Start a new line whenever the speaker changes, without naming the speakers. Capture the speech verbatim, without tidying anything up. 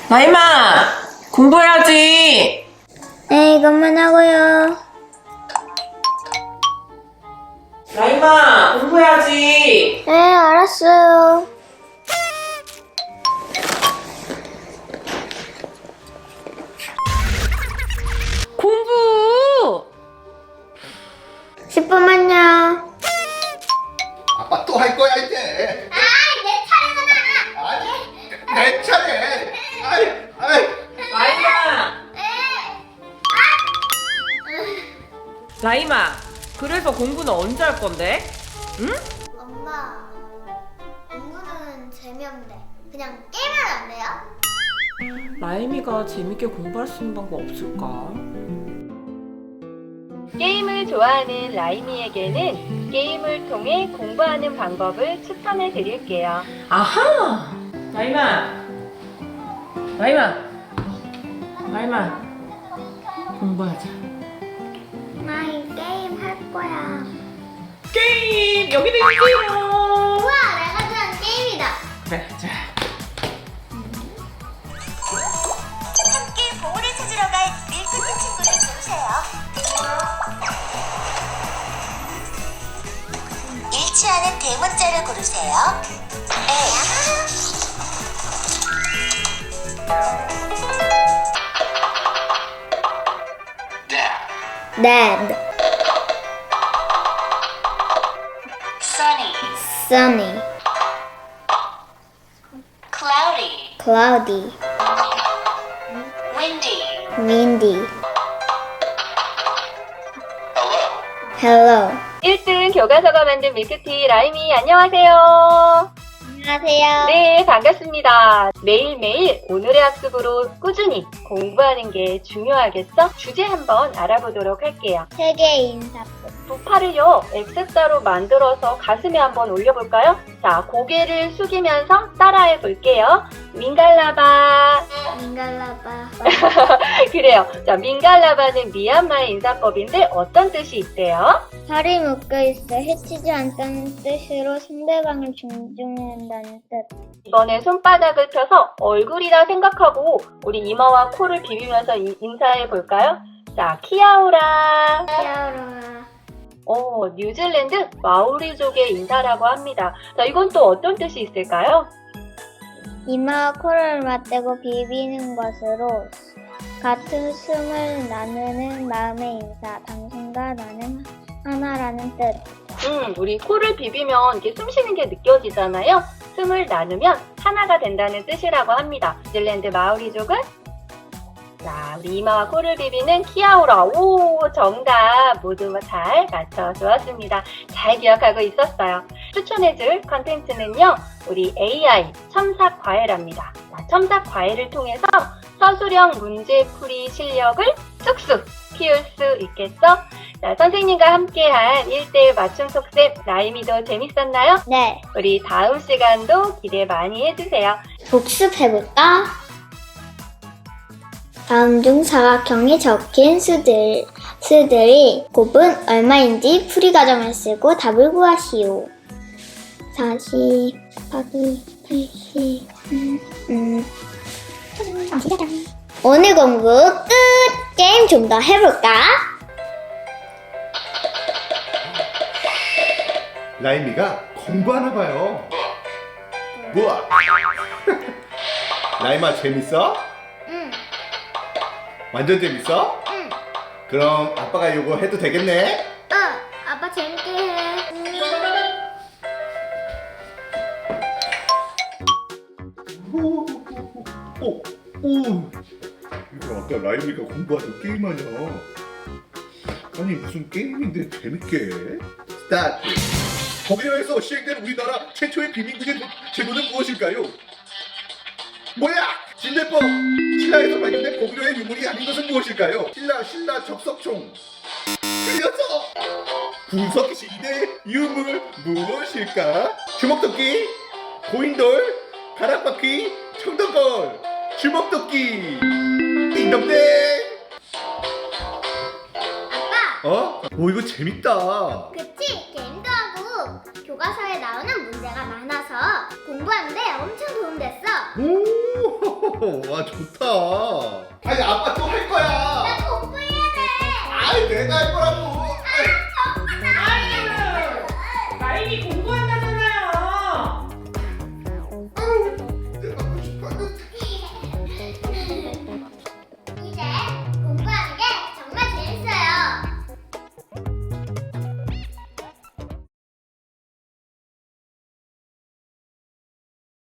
나이마, 공부해야지.
네, 이것만 하고요.
나이마, 공부해야지.
네, 알았어요.
공부!
십 분만요.
아빠 또 할 거야 이제.
아, 내 차례잖아.
아니 내 차례. 아이 아이.
나이마! 나이마, 그래서 공부는 언제 할 건데? 응?
엄마, 공부는 재미없는데 그냥 게임하면 안 돼요?
라임이가 재밌게 공부할 수 있는 방법 없을까?
게임을 좋아하는 라임이에게는 게임을 통해 공부하는 방법을 추천해 드릴게요.
아하! 나이마! 나이마! 나이마! 공부하자.
나 이 게임 할 거야.
게임! 여기도 있어요!
우와, 내가 좋아하는 게임이다.
그래, 자.
함께 보물을 찾으러 갈 밀크티 친구를 고르세요. 잃지 않은 대문자를 고르세요.
Dad,
Sunny,
sunny,
cloudy,
cloudy,
windy,
windy.
hello.
Hello.
일 등 교과서가 만든 밀크티 라임이 안녕하세요.
안녕하세요.
네, 반갑습니다. 매일매일 오늘의 학습으로 꾸준히 공부하는 게 중요하겠죠? 주제 한번 알아보도록 할게요.
세계 인사법.
두 팔을요, X자로 만들어서 가슴에 한번 올려볼까요? 자, 고개를 숙이면서 따라해 볼게요. 민갈라바.
민갈라바.
그래요. 자, 민갈라바는 미얀마의 인사법인데 어떤 뜻이 있대요?
팔이 묶여있어 해치지 않다는 뜻으로 상대방을 존중한다는 뜻.
이번에 손바닥을 펴서 얼굴이라 생각하고 우리 이마와 코를 비비면서 이- 인사해 볼까요? 자, 키아오라.
키아로라.
어, 뉴질랜드 마오리족의 인사라고 합니다. 자, 이건 또 어떤 뜻이 있을까요?
이마와 코를 맞대고 비비는 것으로 같은 숨을 나누는 마음의 인사. 당신과 나는 하나라는 뜻.
음, 우리 코를 비비면 이렇게 숨 쉬는 게 느껴지잖아요. 숨을 나누면 하나가 된다는 뜻이라고 합니다. 뉴질랜드 마오리족은 자, 우리 이마와 코를 비비는 키아오라. 오, 정답 모두 잘 맞춰주었습니다. 잘 기억하고 있었어요. 추천해줄 컨텐츠는요, 우리 에이아이 첨삭과외랍니다. 자, 첨삭과외를 통해서 서술형 문제풀이 실력을 쑥쑥 키울 수 있겠죠? 자, 선생님과 함께한 일 대일 맞춤 속셈 라임이도 재밌었나요?
네.
우리 다음 시간도 기대 많이 해주세요.
복습해볼까? 다음 중 사각형에 적힌 수들, 수들이 곱은 얼마인지 풀이 과정을 쓰고 답을 구하시오. 사십 곱하기 팔십. 음, 음. 오늘 공부 끝! 게임 좀 더 해볼까?
라임이가 공부하나 봐요. 뭐야? 라임아 재밌어?
응.
완전 재밌어?
응.
그럼 아빠가 이거 해도 되겠네?
어, 아빠 재밌게 해.
오, 오, 오. 이거 아까 라임이가 공부하던 게임하냐? 아니 무슨 게임인데 재밌게 해? 스타트. 독일에서 시행된 우리나라 최초의 비밀구제 제도는 무엇일까요? 뭐야? 진대법! 신라에서 발견된 고구려의 유물이 아닌 것은 무엇일까요? 신라, 신라 적석총. 틀렸어! 구석 시대 유물 무엇일까? 주먹도끼, 고인돌, 가락바퀴, 청동걸, 주먹도끼. 띵동댕!
아빠,
어? 오 이거 재밌다.
그치? 게임도 하고 교과서에 나오는 문제가 많아서 공부하는데 엄청 도움됐어.
오 와 좋다. 아니 아빠 또 할 거야.
나 공부해야 돼.
아이 내가 할 거라고.